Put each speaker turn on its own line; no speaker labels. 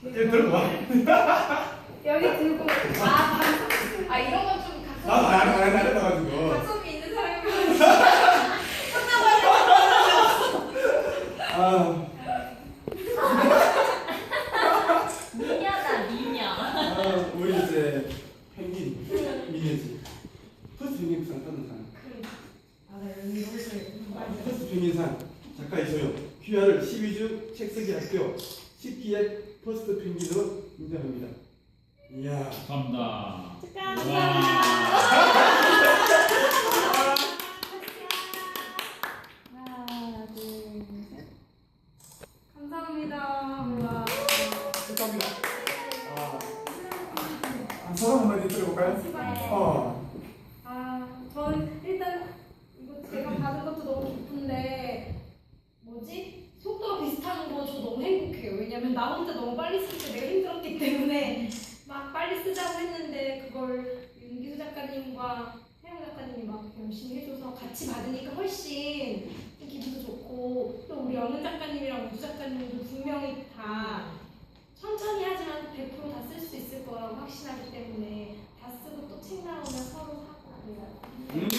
들고 와.
여기 들고 이런 건 좀
나도 안 해가지고.
각성기 있는 사람이
아,
미녀다 미녀.
우리 이제 펭귄 미녀지. 퍼스트 펭귄상 받은 사람. 퍼스트 펭귄상 작가 이소영. 귀하를 12주 책쓰기 학교 10기의 퍼스트 펭귄으로 인정합니다. 이야.
감사합니다.
하나, 둘, 셋.
감사합니다. 와.
축하합니다. 소감 한마디 들어볼까요?
저는 일단 이거 제가 받은 것도 너무 기쁜데 속도가 비슷한 거 저 너무 행복해요. 왜냐면 나 혼자 너무 빨리 쓸 때 내가 힘들었기 때문에 막 빨리 쓰자고 했는데 그걸 윤기수 작가님과 태영 작가님이 막 열심히 해줘서 같이 받으니까 훨씬 기분도 좋고 또 우리 영은 작가님이랑 우주 작가님도 분명히 다 천천히 하지만 100% 다 쓸 수 있을 거라고 확신하기 때문에 다 쓰고 또 책 나오면 서로 사고 그래요.